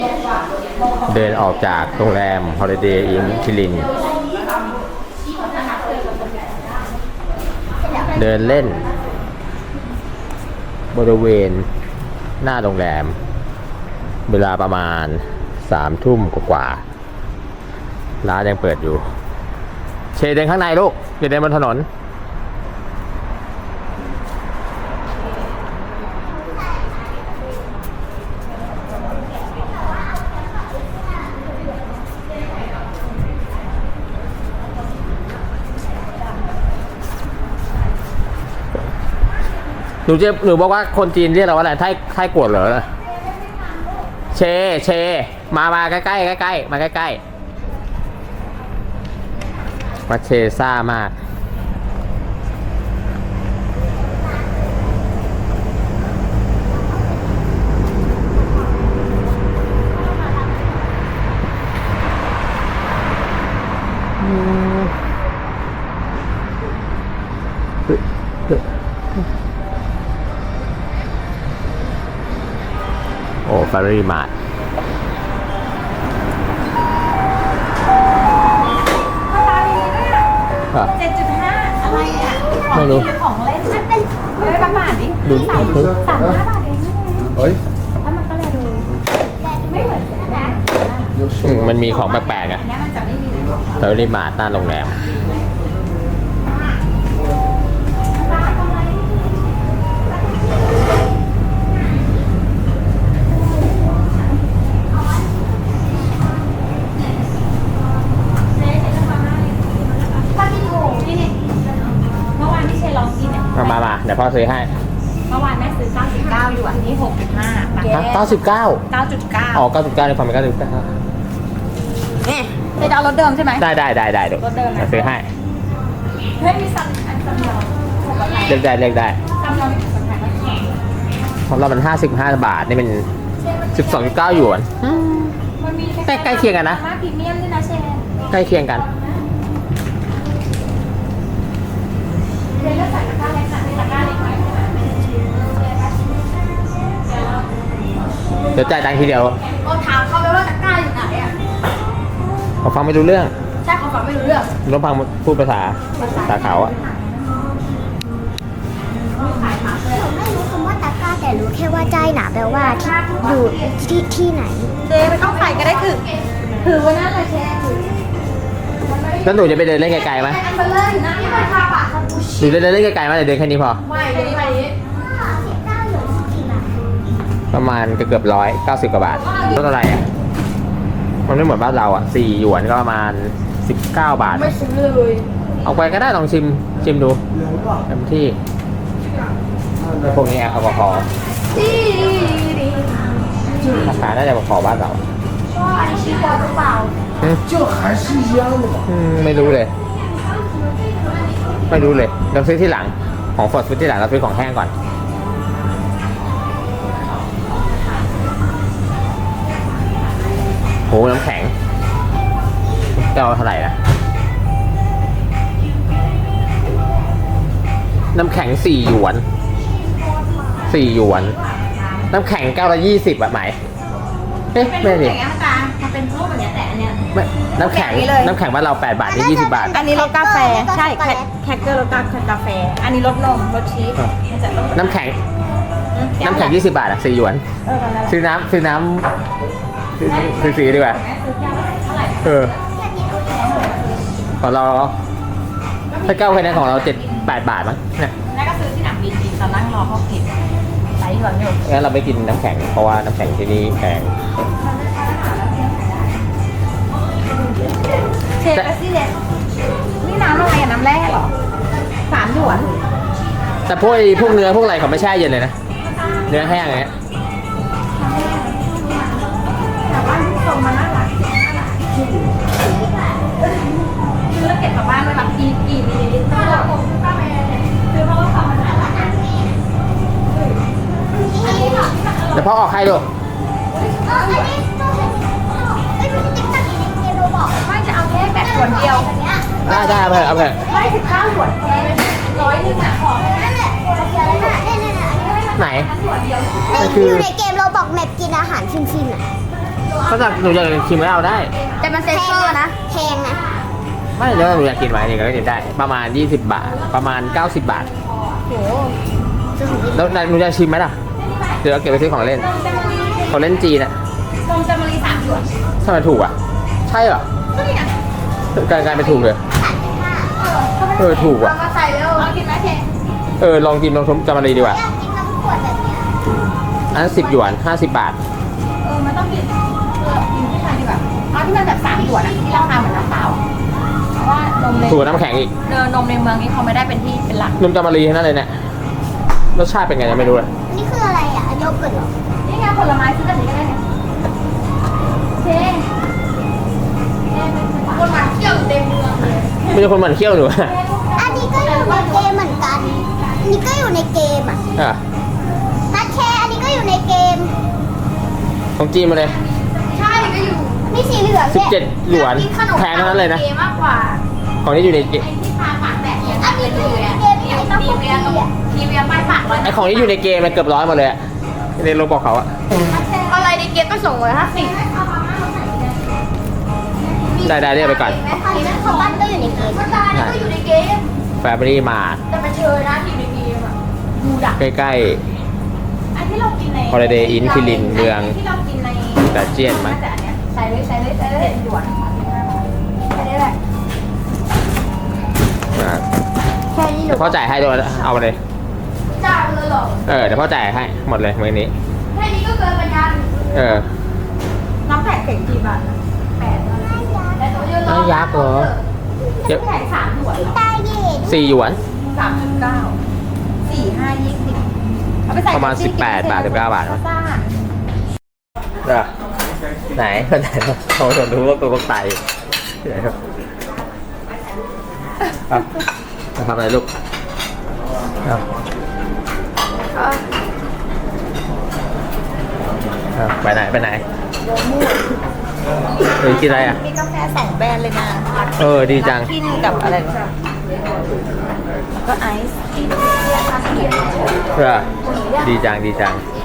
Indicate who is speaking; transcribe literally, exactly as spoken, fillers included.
Speaker 1: เดินออกจากโรงแรม Holiday Inn คิรินเดินเล่นบริเวณหน้าโรงแรมเวลาประมาณสามทุ่มกว่าๆร้านยังเปิดอยู่เชเดินข้างในลูกอย่าเดินบนถนนหนูจะหนูบอกว่าคนจีนเรียกเราว่าอะไรไทยไทยกวดเหรอเชเชมามาใกล้ใกล้ใกล้มาใกล้ใกล้มาเชซ่ามากโอ้ฟารีมาร์ท
Speaker 2: เจ็ดจุดห้าอะไรอ่ะ
Speaker 1: ไม่รู้
Speaker 2: ของเล่นมันเป็นเฮ้ยประมาณนี้
Speaker 1: ดู
Speaker 2: สาม
Speaker 1: ดู
Speaker 2: สามห้าบาทเองนี่
Speaker 3: เฮ้ย
Speaker 2: ถ้ามันก็เลยดูไม่เหมือนกันนะ
Speaker 1: อืมมันมีของแปลกๆอ่ะ
Speaker 2: อันนี้มันจะไม่มีเลย
Speaker 1: ฟารีมาร์ทหน้าโรงแรมมามามาเดี๋ยวพ่อซื้อให้
Speaker 2: เมื่อวานแม่ซื้อเก้าสิบเก้าอยู่อันนี้หกจุดห้า
Speaker 1: เก้าสิบเก้า
Speaker 2: เก้าจุดเก้า
Speaker 1: อ๋อเก้าสิบเก้าในความเป็นเก้าสิบเก้า
Speaker 2: เนี่ยจะเอารถเดิมใช่ไหม
Speaker 1: ได้ได้ได้ได้เดี๋ยว
Speaker 2: รถเดิมนะ
Speaker 1: เดี๋ยวซื้อให้
Speaker 2: เฮ้ยมีซัมอันซัมยองหกอะไร
Speaker 1: เลือกได้เลือกได้
Speaker 2: ซัมยองมีสัมผัสไหม
Speaker 1: ของเรามันห้าสิบห้าบาทนี่เป็นสิบสองจุดเก้าหยวน
Speaker 2: มันมี
Speaker 1: ใกล้ใกล้เคียงกันนะ
Speaker 2: มาพรีเมียมด้วยนะเชน
Speaker 1: ใกล้เคียงกัน
Speaker 2: เชนก็ใส่ตะกร้าเล็กนะมีตะกร้าเล็กไหม
Speaker 1: เดี๋ยวจ่ายตังค์ทีเดียว
Speaker 2: ก็ถามเขาไปว่าตะกร้าอยู่ไหนอ่ะ
Speaker 1: เขาฟังไม่รู้เรื่อง
Speaker 2: ใช่เขาฟังไม่รู้เรื่อง
Speaker 1: ต้องฟังพูดภาษาภาษาเขาอะ
Speaker 4: ผมไม่รู้คำว่าตะกร้าแต่รู้แค่ว่าใจหนาแปลว่าที่อยู่ที่ที่ไหน
Speaker 2: เจไม่ต้องใส่ก็ได้ถือถือไว้นั่นเลยเชนถือ
Speaker 1: แล้วหนูจะไปเดินเล่นไกลๆไหม
Speaker 2: อันเบลเลอร์อยู่นะที่มันคาปะคาปู
Speaker 1: หนูจะเดินเล่นไกลๆไหมหรือเดินแค่นี้พอ
Speaker 2: ไม่เดี๋ยวนี้ไปนี้
Speaker 1: ประมาณเกือบร้อยเก้าสิบกว่าบาทรถอะไรอะมันไม่เหมือนบ้านเราอะสี่หยวนก็ประมาณสิบเก้าบาท
Speaker 2: ไม่ซื้อเลย
Speaker 1: เอาไปก็ได้ลองชิมชิมดูเต็มที่พวกนี้แอลกอฮอล์
Speaker 2: ดีดี
Speaker 1: ราคาน่าจะพอๆบ้านเรา
Speaker 2: ก็อันนี้ชีสบอลหรือเปล่า
Speaker 1: อืม
Speaker 3: 这还是一样的嘛。
Speaker 1: อืมไม่รู้เลย ไม่รู้เลยเราซื้อที่หลังของสดซื้อที่หลังเราซื้อของแห้งก่อนโหน้ำแข็งจะเอาเท่าไหร่นะน้ำแข็งสี่หยวนสี่หยวน น้ำแข็งเก้าละยี่สิบอะไหมเอ๊ะ
Speaker 2: เป็น
Speaker 1: ไม่
Speaker 2: รูป
Speaker 1: ดิ
Speaker 2: อย่างเงี้ยตามันเป็นรูปแบบเนี้ยแต่อันเนี้ย
Speaker 1: ไม่น้ำแข็ง
Speaker 2: แบบนี้เลย
Speaker 1: น้ำแข็งบ้านเราแปดบาทนี่ยี่สิบบาท
Speaker 2: อันนี้รสกาแฟใช่แคแคคเกอร์รสกากาแฟ อันนี้รสนมรสชีสมันจะต้อง
Speaker 1: น้ำแข็งน้ำแข็งยี่สิบบาทอะสี่หยวน
Speaker 2: เออนั่นแหละ
Speaker 1: ซื้อน้ำซื้อน้ำซื้อซื้อสีดีกว่า
Speaker 2: แม่ซื้อแก้วเท่าไหร่
Speaker 1: เออของเราถ้าเก้าคะแนนของเราเจ็ดแปดบาทมั้งเนี่ย
Speaker 2: แม่ก็ซื้อที่หนังบีจีตอนนั่งรอเขาเก็บไลฟ์หลังอยู่
Speaker 1: งั้นเราไม่กินน้ำแข็งเพราะว่าน้ำแข็งที่นี่แพง
Speaker 2: เชฟซี่เลสนี่น้ำอะไรอะน้ำแร่เหรอสามหยวน
Speaker 1: แต่พวกไอ้พวกเนื้อพวกอะไรเขาไม่แช่เย็นเลยนะเนื้อแห้งอย่างเงี้ย
Speaker 2: แต่ว่าลูกทรงมันน่ารักซื้อแล้วเก็บกลับบ้านด้วยแบบกี่กี่มิลลิลิตรก็ผมก็ไปซื้อเพราะว่าของมันน่ารัก
Speaker 1: เดี๋ยวพ่อออกให้ดู
Speaker 2: ไม่จะเอาแค่แบบส่วนเดียว
Speaker 1: ได้ได้เอาไปเอาไป
Speaker 2: ไม่ถึงเก้าหยวนแค่ร้อยหนึ่งอะของ
Speaker 1: ไหน
Speaker 4: อยู่ในเกมเราบอกแมปกินอาหารฟินๆอ่ะ
Speaker 1: ก็จะหนูอยากชิมไม่เอาได้
Speaker 2: แต่มันเซ็นเซอร์นะ
Speaker 4: แพงนะ
Speaker 1: ไม่แล้วหนูอยากกินไหมนี่ก็กินได้ ประมาณยี่สิบบาท ประมาณเก้าสิบบาท
Speaker 2: โห
Speaker 1: แล้วหนูจะชิมไหมล่ะ เดี๋ยวเอาเก็บไปซื้อของเล่น ของเล่นจีนอะ
Speaker 2: นมจามรีสามหยวน
Speaker 1: ทำไมถูกอ่ะ ใช่เหรอ
Speaker 2: ก็นี่ไง
Speaker 1: กลายกลายเป็นถูกเลย เออถูกว่ะ
Speaker 2: เอามาใส่เร็วเอากินไหมเท
Speaker 1: เออลองกินลองชมจามารีดีกว่า
Speaker 4: อยากกินน้ำขวดแบบเนี้ย
Speaker 1: อันนั้นสิบหยวนห้าสิบบาท
Speaker 2: เออมันต้องกินเออกินที่ไทยดีกว่าเอาที่มันแบบสามหยวนอะที่ราคาเหมือนน้ำเปล่าเพราะว่านมใน
Speaker 1: ถูกกว่าน้ำแข็งอีก
Speaker 2: เนอนมในเมืองนี้เขาไม่ได้เป็นที่เป็นหลัก
Speaker 1: นมจามารีนั่นเลยเนี่ย รสชาติเป็นไงยังไม่รู้เลย
Speaker 4: อันนี่คืออะไรอ่ะโยเกิร์ตเหรอ
Speaker 2: นี่ไงผลไม้ซื้อแบบนี้ก็ได้เนี่ยเทคนมาเที่ยวเต็มเมืองเลย
Speaker 1: ไม่ใช่คนหมันเขี้ยวหนูอะ
Speaker 4: อันนี้ก็อยู่ในเกมเหมือนกันอันนี้ก็อยู่ในเกมอ่ะ
Speaker 1: อ่ะ
Speaker 4: นัดแชร์อันนี้ก็อยู่ในเกม
Speaker 1: ของจีนมาเลย
Speaker 2: ใช่ก็อยู่
Speaker 4: มีสีเหลือง
Speaker 1: สิบ
Speaker 4: เนี่ย
Speaker 1: เจ็ดหยวน
Speaker 2: กินขนม
Speaker 1: แพงทั้งนั้นเลยนะ
Speaker 2: เกมากกว่า
Speaker 1: ของที่อยู่ในเกม
Speaker 2: ไอ้ที่พาปากแตกเนี่ย
Speaker 4: อันนี้ก็อยู่ในเกมไอ้ต้อง
Speaker 2: ที
Speaker 4: คุก
Speaker 2: เวี
Speaker 4: กี้
Speaker 2: ยกับ
Speaker 4: อ่ะ
Speaker 2: ทีเวียป้ายปากร้อย
Speaker 1: ไอของที่อยู่ในเกมมันเกือบร้อยหมดเลยอะในโลบอกเขาอะ
Speaker 2: อะไรในเกมก็ส่งเลยห้าสิบ
Speaker 1: ได้ได้เรียกไปก่อน
Speaker 4: อันนี้เขาบ้านก็อยู่ในเกม
Speaker 2: ก็ได้ก็อยู่ในเกม
Speaker 1: แฟมิลี่มา
Speaker 2: แต่มันเชยนะทีมในเกมอ่ะดูดัก
Speaker 1: ใกล้
Speaker 2: อันที่เรากินใน
Speaker 1: Holiday Inn คิรินเมือง
Speaker 2: ที่เรากินใน
Speaker 1: ๆแต่เจียนมั้ย
Speaker 2: แต่อันเนี้ยใส่เลยใส่เลยใส่เลยหยวนแค่นี้แหละ
Speaker 1: อ่ะ
Speaker 4: แค่นี้หนู
Speaker 1: เดี๋ยวพ่อจ่ายให้ด้วยเอาไปเลย
Speaker 2: จ่ายเลยเหรอ
Speaker 1: เออเดี๋ยวพ่อจ่ายให้หมดเลยมื้อนี้
Speaker 2: แค่นี้ก็เกินไปกัน
Speaker 1: เออ
Speaker 2: น้ำแข็งเข่งกี่บาทนะแปดแล้วแต่ตัวเยอะ
Speaker 1: น้ำยักษ์เหรอ
Speaker 2: น้ำแข็งสามหยวนเหรอ
Speaker 4: ตาเย็น
Speaker 1: สี่หยวน
Speaker 2: สามสิบเก้าสี่ห้ายี่สิบเอาไปใส่
Speaker 1: ประมาณ
Speaker 2: แท็กซี่
Speaker 1: สิบแปดบาทสิบเก้าบาท
Speaker 2: ซ่า
Speaker 1: เออไหนคนไหนเขาสนรู้ว่าตัวก็ไตไหนครับครับจะทำอะไรลูกเอาเอาไปไหนไปไหนเฮ้ยกินอะไรอ่ะ
Speaker 2: มีกาแฟสองแบรนด์เลยนะ
Speaker 1: เออดีจัง
Speaker 2: กินกับอะไรวะแล้วก็ไอซ์กิน
Speaker 1: เออดีจังดีจัง
Speaker 2: เ